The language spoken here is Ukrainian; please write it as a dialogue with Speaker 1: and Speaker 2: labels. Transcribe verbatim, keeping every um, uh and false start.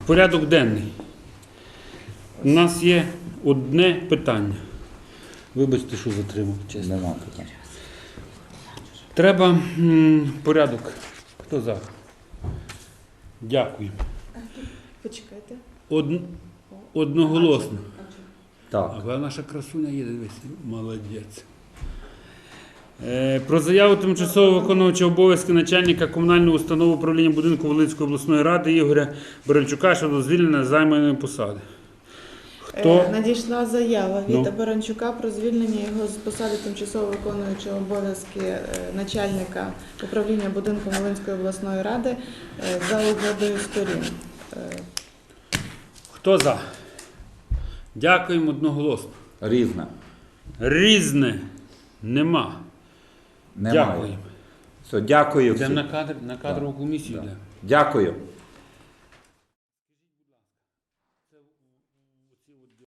Speaker 1: Порядок денний. У нас є одне питання. Вибачте, що затримав, чесно.
Speaker 2: Нема питань.
Speaker 1: Треба м, порядок. Хто за? Дякую.
Speaker 3: Почекайте.
Speaker 1: Од... Одноголосно.
Speaker 2: Так.
Speaker 1: А наша красуня є, дивись, молодець. Е, Про заяву тимчасово виконувача обов'язки начальника комунальної установи управління будинку Волинської обласної ради Ігоря Баранчука щодо звільнення з займаної посади. Хто?
Speaker 3: Е, Надійшла заява від
Speaker 1: Ну.
Speaker 3: Баранчука про звільнення його з посади тимчасово виконуючого обов'язки е, начальника управління будинку Волинської обласної ради е, за угодою сторін. Е,
Speaker 1: Хто за? Дякуємо одноголосно.
Speaker 2: Різне.
Speaker 1: Різне. Нема.
Speaker 2: Немає.
Speaker 1: Дякуємо.
Speaker 2: Все, дякую
Speaker 1: Йдемо
Speaker 2: всім.
Speaker 1: на кадр, на кадрову комісію.
Speaker 2: Да.
Speaker 1: йдемо.
Speaker 2: Дякую.